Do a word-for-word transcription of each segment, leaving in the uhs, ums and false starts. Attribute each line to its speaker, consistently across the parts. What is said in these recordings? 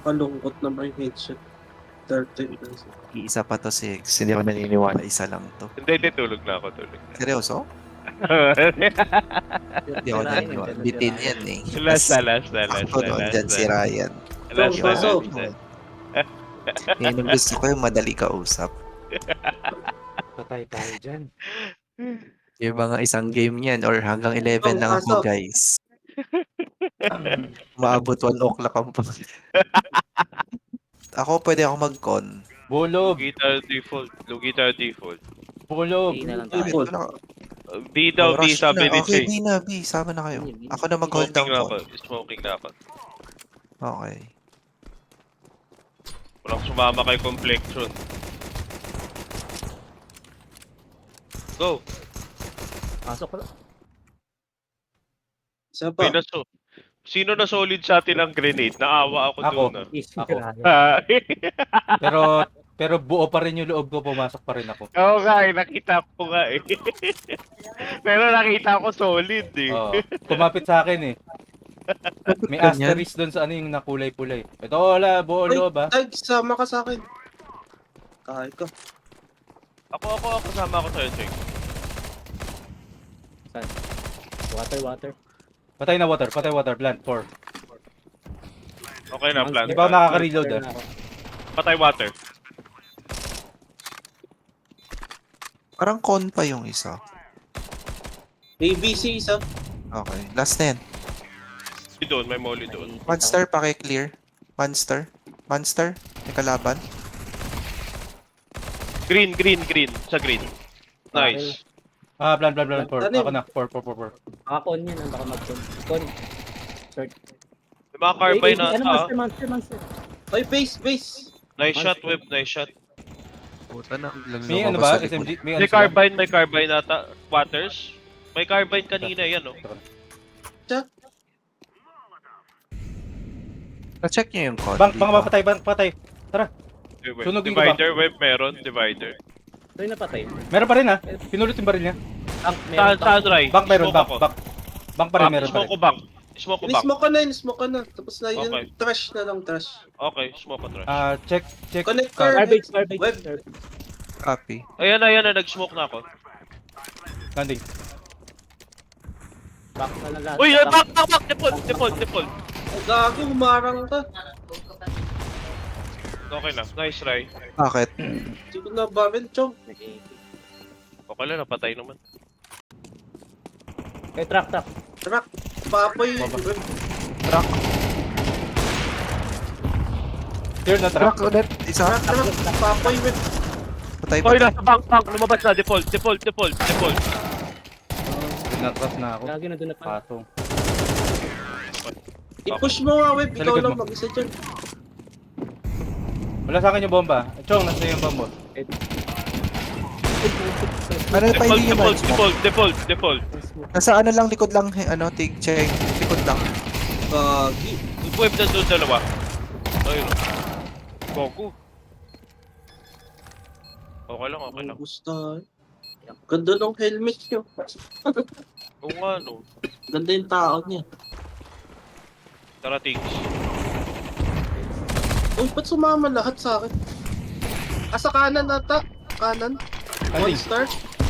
Speaker 1: Nakakalungkot naman yung headshot. thirteen percent.
Speaker 2: Iisa pa to, six. Hindi ako naniniwala, isa lang to.
Speaker 3: Hindi, hindi, tulog na ako, tulog na.
Speaker 2: Seryoso? Hindi ako naniniwala. Bitin yan eh.
Speaker 3: Last na, last na, last
Speaker 2: Ako
Speaker 3: na,
Speaker 2: doon
Speaker 3: last
Speaker 2: dyan
Speaker 3: na.
Speaker 2: si Ryan.
Speaker 3: Last na,
Speaker 1: Baso.
Speaker 3: last na.
Speaker 2: Yan ang gusto ko yung madali kausap.
Speaker 4: Patay tayo dyan.
Speaker 2: Yung mga isang game yan or hanggang eleven lang ako,
Speaker 1: Pasok.
Speaker 2: guys. Maabot one o'clock ang pa. Ako pwede ako mag-con.
Speaker 4: Bulog!
Speaker 3: Guitar default, low guitar default.
Speaker 4: Bulog!
Speaker 5: Hindi na lang
Speaker 1: Ay,
Speaker 5: tayo.
Speaker 1: Paul.
Speaker 2: Wala-
Speaker 3: B daw,
Speaker 2: Oh,
Speaker 3: B
Speaker 2: rush
Speaker 3: sabi
Speaker 2: na.
Speaker 3: ni
Speaker 2: Okay,
Speaker 3: Jay.
Speaker 2: B na, B. Sama na kayo. Ako na mag-hold
Speaker 3: Smoking
Speaker 2: down
Speaker 3: na
Speaker 2: ko.
Speaker 3: ako, smoking na ako.
Speaker 2: Okay.
Speaker 3: Walang sumama kay complexion. Go!
Speaker 5: Pasok ko lang.
Speaker 1: Isa pa.
Speaker 3: Pinaso. Sino na solid sa atin ang grenade? Naawa ako,
Speaker 4: Ako.
Speaker 3: doon ah.
Speaker 5: Easy
Speaker 4: Ako.
Speaker 5: Ryan.
Speaker 3: Ah,
Speaker 4: Pero pero buo pa rin yung loob ko, pumasok pa rin ako.
Speaker 3: Oo nga eh, nakita ko nga eh. Pero nakita ko solid eh.
Speaker 4: Oo. Kumapit sa akin eh. May
Speaker 2: Ganyan?
Speaker 4: asterisk doon sa ano yung nakulay-pulay. Ito wala, buo
Speaker 1: Ay,
Speaker 4: loob ah.
Speaker 1: Tag, sama ka sa akin. Kahit ka.
Speaker 3: Ako, ako, ako, kasama ako sa'yo, Jake.
Speaker 5: Water, water.
Speaker 4: Patay na water, patay water, plant, four.
Speaker 3: Okay na, plan.
Speaker 4: Di ba ako nakaka-reload
Speaker 5: Water
Speaker 4: ah?
Speaker 5: na ako.
Speaker 3: Patay water.
Speaker 2: Parang con pa yung isa.
Speaker 1: A B C isa.
Speaker 2: Okay. Last na yan.
Speaker 3: Molly doon, may molly doon.
Speaker 2: Monster, paki-clear. Monster. Monster. May kalaban.
Speaker 3: Green, green, green. Sa green. Nice.
Speaker 4: Ah, plant, plant, plant, four.
Speaker 1: Tanim.
Speaker 4: Ako na, four, four, four, four.
Speaker 5: Makakon yan, baka mag-con. Con. Short.
Speaker 3: May mga carbine
Speaker 5: Eh,
Speaker 3: na
Speaker 5: eh, Ano,
Speaker 3: ata.
Speaker 5: monster, monster, monster.
Speaker 1: Ay, base, base.
Speaker 3: Nice shot, whip, nice shot.
Speaker 2: Puta na. Biglang
Speaker 4: May ano
Speaker 2: lumabas
Speaker 4: ba?
Speaker 2: sa likod.
Speaker 4: S M G? May ano
Speaker 3: May
Speaker 4: sila?
Speaker 3: carbine, may carbine ata. Waters. May carbine kanina, yan oh.
Speaker 2: Na-check nyo yung con.
Speaker 4: Bang,
Speaker 2: di
Speaker 4: bang,
Speaker 2: ba?
Speaker 4: patay, bang, patay.
Speaker 3: Divi-
Speaker 4: Sunugin ko ba?
Speaker 3: Divider, whip, meron. Divider.
Speaker 5: Ito yung napatay.
Speaker 4: Meron pa rin ah. Pinulot yung baril niya.
Speaker 5: Tank,
Speaker 3: Saan,
Speaker 5: meron
Speaker 3: saan,
Speaker 5: tank.
Speaker 3: Ray?
Speaker 4: Bank meron,
Speaker 3: Smoke
Speaker 4: bank,
Speaker 3: ako.
Speaker 4: bank. Bank pa rin,
Speaker 3: Bank,
Speaker 4: meron pa
Speaker 3: Smoke
Speaker 4: rin.
Speaker 3: ko bank. Smoke ko bank.
Speaker 1: Inismoke ka na, inismoke ka na. Tapos na yun,
Speaker 3: Okay.
Speaker 1: trash na lang, trash.
Speaker 3: Okay, smoke ko trash.
Speaker 4: Ah, check, check.
Speaker 1: Connector.
Speaker 5: Garbage, garbage.
Speaker 1: Web.
Speaker 5: garbage.
Speaker 2: Copy.
Speaker 3: Ayan na, ayan na, nag-smoke na ako.
Speaker 4: Landing.
Speaker 5: Back na lang lahat.
Speaker 3: Uy,
Speaker 5: Back.
Speaker 3: back, back, back! Default, default, default.
Speaker 1: Ay, gago, humarang ka.
Speaker 3: Okay na, nice try.
Speaker 2: Bakit?
Speaker 1: Hindi ko na baril, chong.
Speaker 3: Okay lang, napatay naman.
Speaker 5: Eh, truck, truck.
Speaker 1: Truck. Papoy.
Speaker 4: Baba.
Speaker 1: Web.
Speaker 2: Truck.
Speaker 4: Clear na truck.
Speaker 2: Truck ulit. Isa.
Speaker 1: Truck, truck. Papoy, web.
Speaker 2: Patay
Speaker 3: Oy,
Speaker 2: patay.
Speaker 3: nasa bank, bank, lumabas na, default, default, default, default.
Speaker 4: Pinatras na ako.
Speaker 5: Lagi na doon na pa.
Speaker 4: Patong.
Speaker 1: I-push mo nga, web.
Speaker 4: Sa
Speaker 1: Ikaw
Speaker 4: likod
Speaker 1: lang
Speaker 4: mo.
Speaker 1: mag-isa dyan.
Speaker 4: Wala sa akin yung bomba. Chong, nasa yung bomba.
Speaker 2: Ano pa
Speaker 3: Default,
Speaker 2: hindi yung
Speaker 3: default,
Speaker 2: smoke?
Speaker 3: default, default, default.
Speaker 2: Nasa ano lang, likod lang, eh, ano, tig, check. Likod lang.
Speaker 1: Gagi.
Speaker 3: Yung web na doon dalawa. Ayun. Goku. Okay lang, okay lang.
Speaker 1: Gusto. Ganda ng helmet nyo.
Speaker 3: Oo nga, no.
Speaker 1: Ganda yung tao niya.
Speaker 3: Tara, things.
Speaker 1: Uy, ba't sumama lahat sa akin? Ah, sa kanan ata. Kanan. One
Speaker 4: Landing.
Speaker 1: star.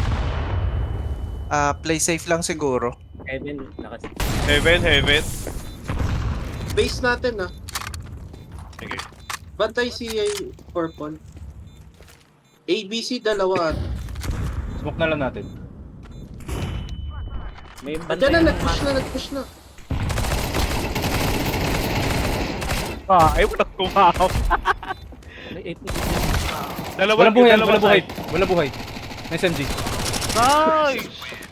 Speaker 2: Ah, play safe lang siguro.
Speaker 5: Kevin, nakas.
Speaker 3: Heaven, heaven.
Speaker 1: Base natin ah.
Speaker 3: Sige.
Speaker 1: Bantay si uh, Purple. A B C dalawa at.
Speaker 4: Smoke na lang natin.
Speaker 5: May
Speaker 1: Ah,
Speaker 5: bantay
Speaker 1: dyan na,
Speaker 5: ng
Speaker 1: nag-push na, nag-push na.
Speaker 3: Ah, ay, walang kumahaw.
Speaker 5: May eight
Speaker 3: Dalawa,
Speaker 4: Walang buhay,
Speaker 3: dalawa
Speaker 4: walang buhay.
Speaker 3: side.
Speaker 4: Walang buhay. May S M G.
Speaker 3: Nice!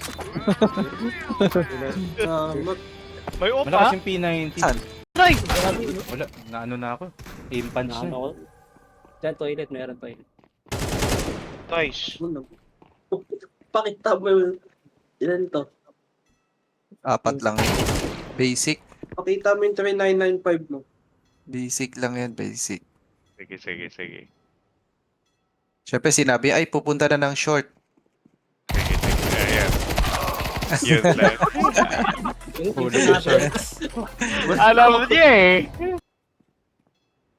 Speaker 1: Salamat.
Speaker 3: May opa.
Speaker 4: Malakas yung P ninety.
Speaker 2: Saan?
Speaker 3: Nice!
Speaker 4: Wala, naano na ako. Aim punch
Speaker 5: Nakano
Speaker 4: na.
Speaker 5: ko. Diyan, toilet, meron toilet.
Speaker 3: Nice.
Speaker 1: Ano? Pakita mo yun. Ilan to?
Speaker 2: Apat lang. Basic.
Speaker 1: Pakita mo yung three nine nine five mo.
Speaker 2: Basic lang yan, basic.
Speaker 3: Sige, sige, sige.
Speaker 2: Siyempre sinabi, ay pupunta na ng short.
Speaker 3: Sige, sige. Ayan. Yun lang.
Speaker 5: Yung
Speaker 4: Huli
Speaker 5: yung
Speaker 4: ko
Speaker 5: sinabi,
Speaker 3: Alam mo niya eh.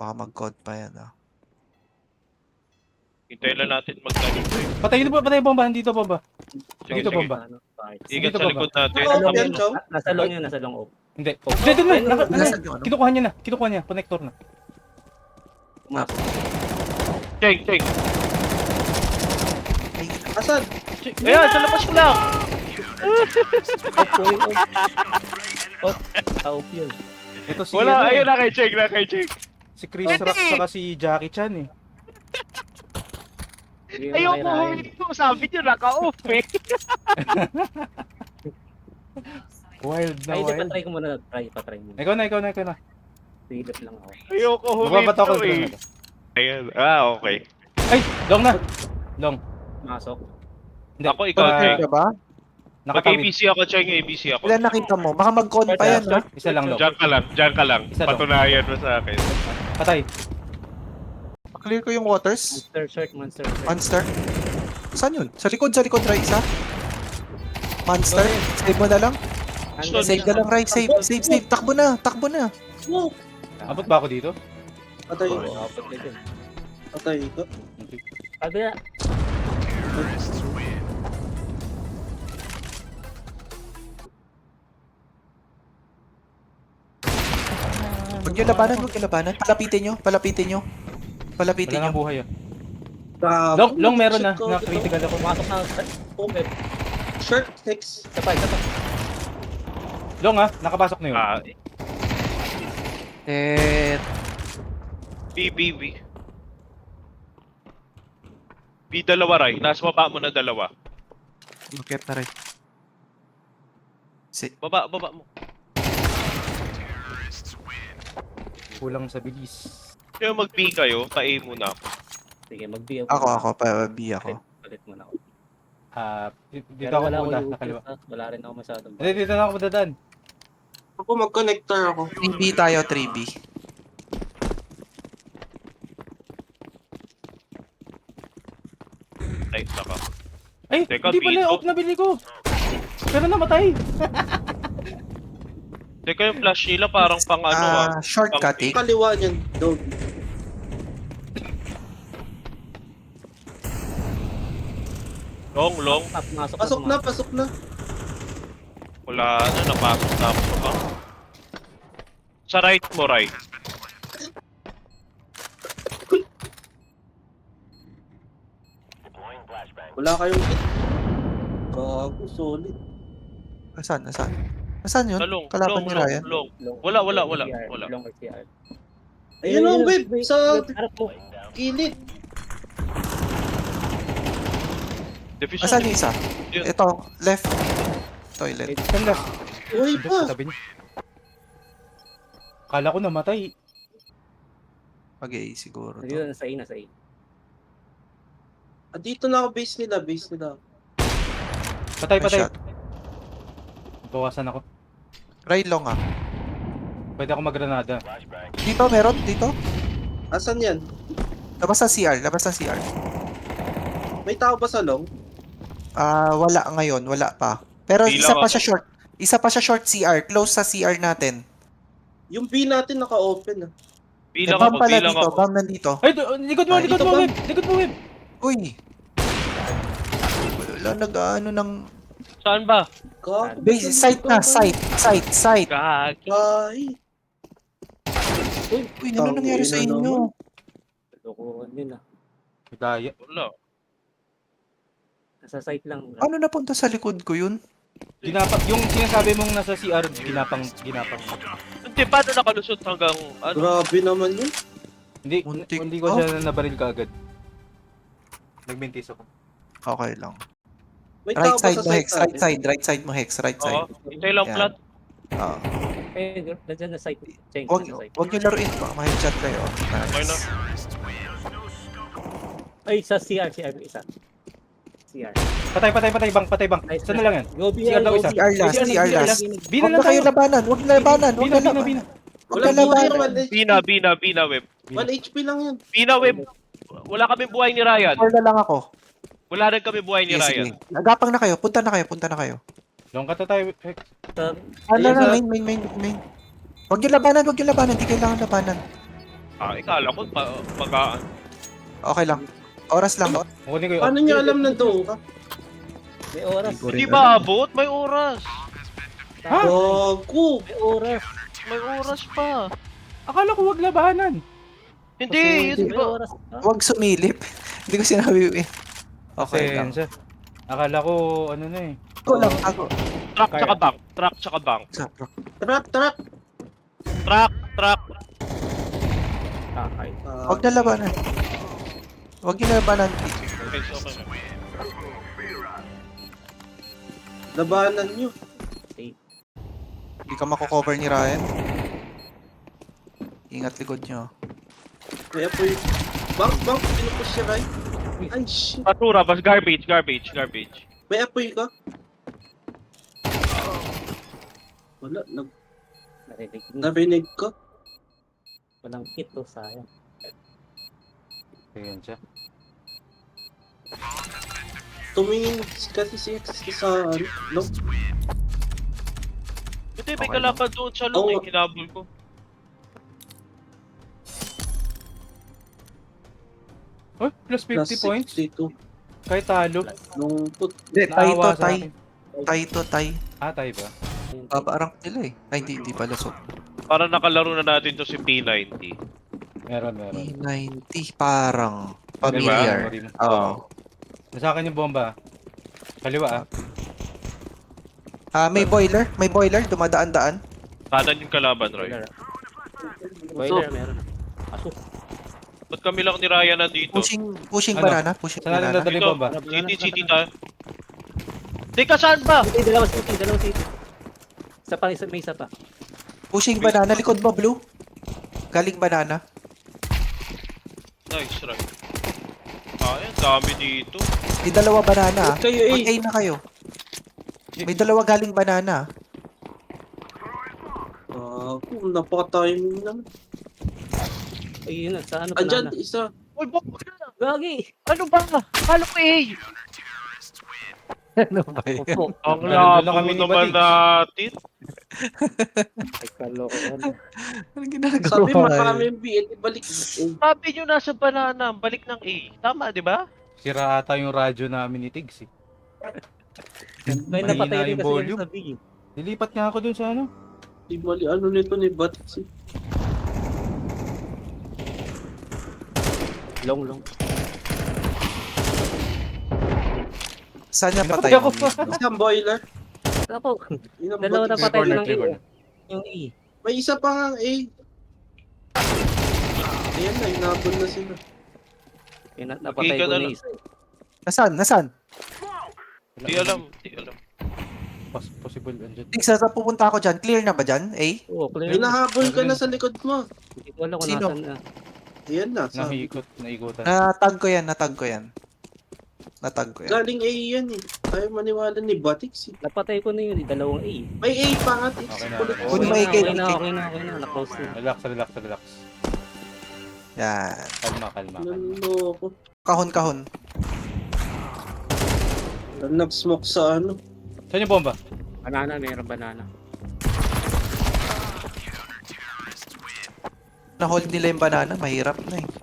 Speaker 2: Baka mag-code pa yan ah.
Speaker 3: Hintayin lang natin magdalo.
Speaker 4: Patay dito ba? Patay bomba. Dito bomba.
Speaker 3: Sige,
Speaker 4: Dito
Speaker 3: sige.
Speaker 4: bomba.
Speaker 5: Ano, kahit-
Speaker 3: Ingat
Speaker 4: Dito
Speaker 3: sa
Speaker 4: ba
Speaker 3: likod natin.
Speaker 1: Ano,
Speaker 5: Nasa
Speaker 1: yan,
Speaker 5: long
Speaker 1: Chow?
Speaker 5: yun. Nasa long yun, nasa long. Oh.
Speaker 4: Hindi. Hindi, doon na. Naka, ano,
Speaker 2: Nasaan yung ano?
Speaker 4: kinukuha niya na. Kinukuha niya. Connector na.
Speaker 5: Pumasok.
Speaker 3: Cheng, Cheng.
Speaker 2: Ay,
Speaker 1: Asan?
Speaker 3: Ayan, sa labas ko lang.
Speaker 5: Off, oy, off. Off. Ah, off yun.
Speaker 4: Ito si,
Speaker 3: Wala,
Speaker 4: ano,
Speaker 3: ayun
Speaker 4: eh,
Speaker 3: na kay Cheng, na kay Cheng.
Speaker 4: si Chris Rock saka si Jackie Chan eh.
Speaker 5: Hindi mo
Speaker 3: Ayoko
Speaker 5: kaya
Speaker 3: huminto. Sabi niyo, naka-off eh.
Speaker 4: Wild na
Speaker 5: Ay, hindi,
Speaker 4: wild.
Speaker 5: patry ko muna. Try, patry muna.
Speaker 4: Ikaw na, ikaw na, ikaw na.
Speaker 5: Silip lang ako.
Speaker 3: Ayoko
Speaker 4: Magbabato ako
Speaker 3: huminto
Speaker 4: ng
Speaker 3: eh. Ayan, ah, okay.
Speaker 4: Ay, long na. Long.
Speaker 5: Masok.
Speaker 4: Hindi.
Speaker 3: Ako, ikaw,
Speaker 4: ah,
Speaker 3: Cheng.
Speaker 2: ka ba?
Speaker 3: Mag-A B
Speaker 4: Nakatawid.
Speaker 3: C ako, Cheng, A B C ako.
Speaker 2: Ilan nakita mo? Baka mag-con pa yan ah.
Speaker 4: Isa lang long.
Speaker 3: Diyan ka lang, diyan ka lang.
Speaker 4: Isa lang.
Speaker 3: Patunayan mo sa akin.
Speaker 4: Patay.
Speaker 2: Clear ko yung waters.
Speaker 5: Monster shirt, monster shirt.
Speaker 2: Monster. Saan yun? Sa likod, sa likod, Rai, isa. Monster. Save mo na lang.
Speaker 5: Hanggang
Speaker 2: Save na lang, Rai. Save, save, save. Takbo na, takbo na.
Speaker 1: Wow!
Speaker 4: Abot ba ako dito?
Speaker 1: Patay ko.
Speaker 5: Oo, apat ka dyan.
Speaker 1: Patay ko.
Speaker 5: Kabila.
Speaker 2: Huwag nyo labanan, huwag nyo labanan. Palapitin nyo, palapitin nyo. Palapitin
Speaker 4: Wala
Speaker 2: nyo.
Speaker 4: nang buhay ah.
Speaker 1: Grabe.
Speaker 4: Long, long meron na.
Speaker 1: Shit ko,
Speaker 4: Na
Speaker 1: ito.
Speaker 4: critical ako.
Speaker 5: Pumasok na.
Speaker 1: Okay. Shirt, six.
Speaker 5: Isa pa, isa pa.
Speaker 4: Long ah, nakapasok na yun.
Speaker 3: Ah,
Speaker 2: Eh,
Speaker 3: B, B, B. B dalawa, Ray. Nasa baba mo na dalawa.
Speaker 2: Lukip na rin. Si,
Speaker 3: Baba, baba mo.
Speaker 4: Kulang sa bilis.
Speaker 3: Kaya mag-B kayo, pa-A muna ako.
Speaker 5: Sige, mag-B
Speaker 2: ako, ako, pa B ako.
Speaker 5: Palit mo na ako.
Speaker 4: Ah, di- dito
Speaker 5: Pero
Speaker 4: ako
Speaker 5: wala
Speaker 4: punta,
Speaker 5: akong
Speaker 4: sa kaliwa.
Speaker 5: loot, ah. Wala rin ako masyadong.
Speaker 4: Hindi, dito na ako dadaan.
Speaker 1: Ako mag-connector ako.
Speaker 2: three B tayo, three B.
Speaker 3: Ay, naka.
Speaker 4: Ay,
Speaker 3: Teka,
Speaker 4: hindi pala,
Speaker 3: dito.
Speaker 4: off na bili ko. Pero namatay.
Speaker 3: Teka, yung flash nila parang pang ano ah.
Speaker 2: Ah, shortcutting.
Speaker 1: Kaliwa niyan. Dog.
Speaker 3: Long, long.
Speaker 5: Ah, pumasok
Speaker 1: Pasok na, pasok na.
Speaker 3: Wala na, napasok na ako sa bang. Sa right mo, right.
Speaker 1: Wala kayong hit. Gago, solid.
Speaker 2: Nasaan, nasaan? Nasaan yun?
Speaker 3: Talong,
Speaker 2: Kalaban
Speaker 3: long,
Speaker 2: ni
Speaker 3: long,
Speaker 2: Ryan?
Speaker 3: long.
Speaker 5: Long.
Speaker 3: Wala, wala, wala,
Speaker 5: C R,
Speaker 3: wala.
Speaker 5: Long or C R.
Speaker 1: Ayun ang web, sa-
Speaker 5: harap mo.
Speaker 1: Gilid.
Speaker 3: Division.
Speaker 2: Nasaan yung isa?
Speaker 3: Yun.
Speaker 2: Ito, left. Toilet.
Speaker 4: Saan last?
Speaker 1: Uy
Speaker 4: Hindi,
Speaker 1: pa.
Speaker 4: sa tabi niya. Kala ko namatay.
Speaker 2: Okay, siguro
Speaker 5: Dito
Speaker 2: to.
Speaker 5: na sa A, nasa A.
Speaker 1: Ah, dito na ako, base nila, base nila.
Speaker 4: Patay,
Speaker 2: May
Speaker 4: patay.
Speaker 2: shot.
Speaker 4: Bawasan ako.
Speaker 2: Right long ah.
Speaker 4: Pwede ako maggranada.
Speaker 2: Dito, meron? Dito?
Speaker 1: Asan yan?
Speaker 2: Labas sa C R, labas sa C R.
Speaker 1: May tao ba sa long?
Speaker 2: Ah, wala ngayon, wala pa. Pero
Speaker 3: Bilang
Speaker 2: isa pa
Speaker 3: ako.
Speaker 2: siya short. Isa pa siya short C R, close sa C R natin.
Speaker 1: Yung B natin naka-open ah.
Speaker 2: Eh,
Speaker 3: Bilang
Speaker 2: bomb
Speaker 3: ako,
Speaker 2: pala
Speaker 3: bilang
Speaker 2: dito,
Speaker 3: ako.
Speaker 2: bomb nandito.
Speaker 4: Ay, do- likod mo,
Speaker 2: Ay,
Speaker 4: likod
Speaker 1: dito
Speaker 4: mo,
Speaker 1: ba?
Speaker 4: web. Likod mo, web.
Speaker 2: Uy! Wala nag-ano ng...
Speaker 3: Saan ba?
Speaker 1: Gago.
Speaker 2: Base, site na, site, site, site.
Speaker 3: Gagi.
Speaker 1: Ay.
Speaker 2: Uy, ano
Speaker 1: Tangina
Speaker 2: nangyari sa inyo?
Speaker 1: naman.
Speaker 5: Lokohan yun ah.
Speaker 4: Daya.
Speaker 3: Wala.
Speaker 5: Nasa site lang.
Speaker 2: Paano napunta sa likod ko yun?
Speaker 4: Ginapang, yung sinasabi mong nasa C R, ginapang, ginapang.
Speaker 3: Hindi, paano nakalusot hanggang ano?
Speaker 1: Grabe naman yun.
Speaker 4: Hindi,
Speaker 2: Muntik
Speaker 4: hindi ko
Speaker 2: pa.
Speaker 4: siya nabaril ka agad. Nagmintis ako.
Speaker 2: Okay lang.
Speaker 1: May
Speaker 2: Right
Speaker 1: tao ba
Speaker 2: side
Speaker 1: sa
Speaker 2: mo, Hex.
Speaker 1: site
Speaker 2: Right
Speaker 1: natin?
Speaker 2: side, right side mo, Hex. Right
Speaker 3: Oo.
Speaker 2: side.
Speaker 3: Hintay lang
Speaker 2: Yan.
Speaker 3: plat.
Speaker 2: Ah.
Speaker 5: Eh, nandiyan na site. Change
Speaker 2: Huwag,
Speaker 5: na site.
Speaker 2: huwag nyo laruin pa. Ma-headshot kayo.
Speaker 3: Okay na.
Speaker 2: Nice.
Speaker 5: Ay, sa C R, C R isa. C R.
Speaker 4: Patay, patay, patay, bang, patay, bang.
Speaker 5: Nice.
Speaker 4: Saan na lang yan?
Speaker 5: Go B
Speaker 4: C R
Speaker 5: R,
Speaker 4: daw
Speaker 5: go
Speaker 4: isa.
Speaker 5: B
Speaker 2: C R last,
Speaker 5: R.
Speaker 2: C R last.
Speaker 4: Bina
Speaker 2: Huwag
Speaker 4: lang
Speaker 2: na kayo
Speaker 4: tayo.
Speaker 2: labanan. Huwag na labanan. Huwag
Speaker 4: Bina,
Speaker 2: na
Speaker 4: bina,
Speaker 2: labanan.
Speaker 4: bina.
Speaker 2: Huwag
Speaker 1: Wala
Speaker 2: na
Speaker 1: buhay
Speaker 2: labanan.
Speaker 1: naman eh.
Speaker 3: Bina, bina, bina, web.
Speaker 1: one H P lang yun.
Speaker 3: Bina, web. Wala kami buhay ni Ryan.
Speaker 2: Four na lang ako.
Speaker 3: Wala rin kami buhay ni
Speaker 2: Sige,
Speaker 3: Ryan.
Speaker 2: sige. Agapang na kayo. Punta na kayo. Punta na kayo.
Speaker 4: Long ka to tayo, Hex.
Speaker 5: Sa-
Speaker 2: Ano
Speaker 4: Ayun,
Speaker 2: na,
Speaker 4: sa-
Speaker 2: main, main, main, main. Huwag nyo labanan. Huwag nyo labanan. Hindi kailangan labanan.
Speaker 3: Ah, ikala ko pa, pag
Speaker 2: Okay lang. Oras lang.
Speaker 4: Kunin ko yung
Speaker 1: Paano niya alam na doon ka?
Speaker 5: May oras.
Speaker 2: Hindi ko rin
Speaker 3: Hindi
Speaker 2: alam.
Speaker 3: ba abot? May oras.
Speaker 4: Ha?
Speaker 1: Gago!
Speaker 5: May oras.
Speaker 3: May oras pa.
Speaker 4: Akala ko wag labanan.
Speaker 3: Hindi, yun
Speaker 5: May
Speaker 3: ba?
Speaker 5: oras pa.
Speaker 2: Huwag sumilip. Hindi ko sinabi eh. Okay lang.
Speaker 4: Pasensya. Akala ko ano na eh.
Speaker 2: Ako lang. Ako.
Speaker 3: Truck tsaka bank. Truck tsaka bank.
Speaker 2: Sa bro.
Speaker 1: Truck, truck!
Speaker 3: Truck, truck.
Speaker 5: Kakay.
Speaker 1: Ah,
Speaker 2: Huwag na labanan. Huwag yung labanan.
Speaker 3: Okay, so okay. na.
Speaker 1: labanan nyo.
Speaker 2: Hindi ka mako-cover ni Ryan. Ingat likod nyo.
Speaker 1: Kaya po yung... Bang, bang! Pinupush siya, right? Ay, shit!
Speaker 3: Basura, bas garbage, garbage, garbage.
Speaker 1: May apoy ka? Wala, nag
Speaker 5: Narinig mo.
Speaker 1: narinig ko.
Speaker 5: Walang hit to, sayang.
Speaker 4: Pasensya.
Speaker 1: Tumingin kasi si X sa ano, no?
Speaker 3: Hindi, may
Speaker 2: Okay
Speaker 3: kalaban doon sa loob
Speaker 1: Oo.
Speaker 3: eh, kinabol ko.
Speaker 4: Oh, plus fifty
Speaker 1: Plus
Speaker 4: points.
Speaker 1: sixty-two.
Speaker 4: Kahit talo.
Speaker 1: Nung put.
Speaker 2: Hindi, tay to,
Speaker 4: Naawa sa
Speaker 2: tay.
Speaker 4: akin.
Speaker 2: Tay to, tay.
Speaker 4: Ah, tayo ba?
Speaker 2: Babarang nila eh. Ay, hindi, hindi pala. So,
Speaker 3: Para nakalaro na natin to si P ninety.
Speaker 4: Meron, meron.
Speaker 2: P ninety, parang
Speaker 4: Diba?
Speaker 2: familiar.
Speaker 4: Memory mo.
Speaker 2: Oo.
Speaker 4: Nasa akin yung bomba. Kaliwa ah.
Speaker 2: Ah, may boiler. May boiler. Dumadaan-daan.
Speaker 3: Kanan yung kalaban, Roy.
Speaker 5: Boiler. Boiler, meron. Aso.
Speaker 3: Ba't kami lang ni Ryan nandito?
Speaker 2: Pushing, pushing
Speaker 4: Ano?
Speaker 2: banana. Pushing
Speaker 4: Saan natin
Speaker 2: banana.
Speaker 4: dadali
Speaker 3: Dito,
Speaker 4: bomba?
Speaker 3: city, city tayo. Di ka saan ba?
Speaker 5: Hindi, dalawa city, dalawa city. Isa pa, isa, may isa pa.
Speaker 2: Pushing banana. Likod mo, blue. Galing banana.
Speaker 3: Nice, Roy. Ah, yan, dami dito.
Speaker 2: May dalawa banana. ah.
Speaker 1: Kayo eh.
Speaker 2: Mag-A na kayo. May dalawa galing banana.
Speaker 1: Ah, uh, napaka-timing naman.
Speaker 5: Ayun na, sa ano,
Speaker 1: Andyan,
Speaker 5: banana.
Speaker 1: isa.
Speaker 3: Uy, bomba na!
Speaker 5: Gagi!
Speaker 3: Ano ba? Akala ko eh!
Speaker 5: Ano ba? Opo.
Speaker 3: Ang
Speaker 4: Ano, doon lang
Speaker 3: labo
Speaker 4: kami ni
Speaker 3: naman
Speaker 4: Badix.
Speaker 3: natin.
Speaker 5: Ay, kalokohan.
Speaker 2: Ano ginagawa?
Speaker 1: Sabi
Speaker 2: eh?
Speaker 1: marami yung B, edi balik. Eh,
Speaker 3: Sabi nyo nasa banana, balik ng A. Tama, di ba?
Speaker 4: Sira ata yung radyo namin ni Tigs eh.
Speaker 5: May
Speaker 4: Mahina
Speaker 5: napatay rin
Speaker 4: yung
Speaker 5: kasi
Speaker 4: volume.
Speaker 5: yan sa big.
Speaker 4: Nilipat nga ako dun sa ano.
Speaker 1: di mali, ano nito ni Batsi.
Speaker 5: Long, long.
Speaker 2: Saan niya patay?
Speaker 4: Napatay ako.
Speaker 1: Isang boiler.
Speaker 5: Ako,
Speaker 1: Yun ang
Speaker 5: dalawa na
Speaker 1: Batsi.
Speaker 5: patay
Speaker 4: corner,
Speaker 5: ng
Speaker 4: three
Speaker 5: A.
Speaker 4: corner.
Speaker 5: Yung E.
Speaker 1: May isa pa nga A. Ayan na, inabol na sila.
Speaker 5: Yung na- napatay
Speaker 3: Okay ka
Speaker 5: ko
Speaker 3: na
Speaker 5: na
Speaker 3: lang.
Speaker 5: isa.
Speaker 2: Nasaan? Nasaan?
Speaker 3: Di alam, di alam.
Speaker 4: Pos possible andyan.
Speaker 2: Tig, saan saan pupunta ako dyan? Clear na ba dyan? A?
Speaker 5: Oo, clear. na.
Speaker 1: Hinahabol ka na sa likod mo.
Speaker 5: Hindi ko alam kung
Speaker 2: Sino?
Speaker 5: nasan na.
Speaker 1: Ayan na, sabi.
Speaker 4: Nahiikot, naikutan.
Speaker 2: Natag ko yan, natag ko yan. Natag ko yan.
Speaker 1: Galing A yan eh. Tayo maniwala ni Batix eh.
Speaker 5: Napatay ko na yun, eh, dalawang A.
Speaker 1: May A pa nga, Tix.
Speaker 4: Okay na.
Speaker 1: Kulit
Speaker 2: Kunin
Speaker 1: mo.
Speaker 2: mo
Speaker 5: Okay
Speaker 2: ikay,
Speaker 5: na, okay na,
Speaker 2: ikay.
Speaker 5: okay na, okay na. Na-close na.
Speaker 4: Relax, relax, relax.
Speaker 2: Yan.
Speaker 4: Kalma, kalma, kalma.
Speaker 1: Naloko.
Speaker 2: Kahon-kahon.
Speaker 1: Nag-smoke sa ano.
Speaker 4: Saan yung bomba?
Speaker 5: Banana, meron banana.
Speaker 2: Na-hold nila yung banana, mahirap na eh.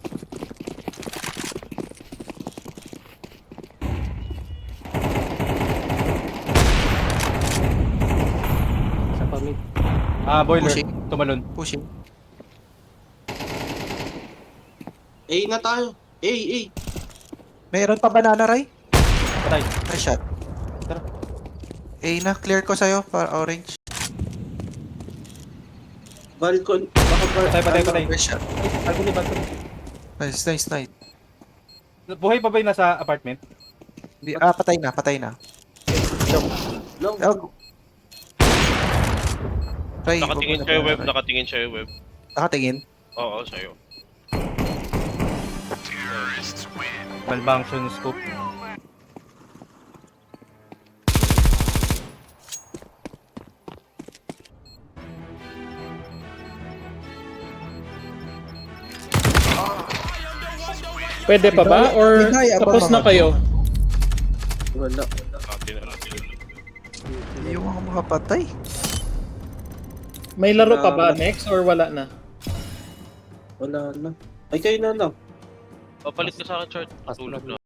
Speaker 5: Sa pamit.
Speaker 4: Ah, boiler.
Speaker 2: Pushing.
Speaker 4: Tumalon.
Speaker 2: Pushing.
Speaker 1: A na tayo. A, A.
Speaker 2: Meron pa banana, Ray?
Speaker 4: Patay.
Speaker 2: Nice shot.
Speaker 4: Tara.
Speaker 2: A na, clear ko sa'yo para orange.
Speaker 1: Balcon. Baka ba...
Speaker 4: Patay, patay, patay.
Speaker 2: Nice shot.
Speaker 5: Bago ni bago.
Speaker 2: Nice, nice, nice.
Speaker 4: Buhay pa ba yung nasa apartment?
Speaker 2: Di, ah, patay na, patay na.
Speaker 1: No.
Speaker 2: Oh. Ray,
Speaker 3: Nakatingin
Speaker 2: wag mo na
Speaker 3: siya yung
Speaker 2: banana,
Speaker 3: web,
Speaker 2: Ray.
Speaker 3: nakatingin siya yung web.
Speaker 2: Nakatingin?
Speaker 3: Oo, sa'yo.
Speaker 4: Malfunction scope.
Speaker 6: Pwede pa ba? Or
Speaker 2: Hindi, abang
Speaker 6: tapos na
Speaker 2: mga-
Speaker 6: kayo?
Speaker 1: Wala.
Speaker 3: Atin na lang.
Speaker 2: Hindi yung mga makapatay.
Speaker 6: May laro pa ba next or wala na?
Speaker 1: Wala na. Ay, kayo na lang.
Speaker 3: O, palit ka sa akin, short.
Speaker 4: Pas-
Speaker 3: Tulog na.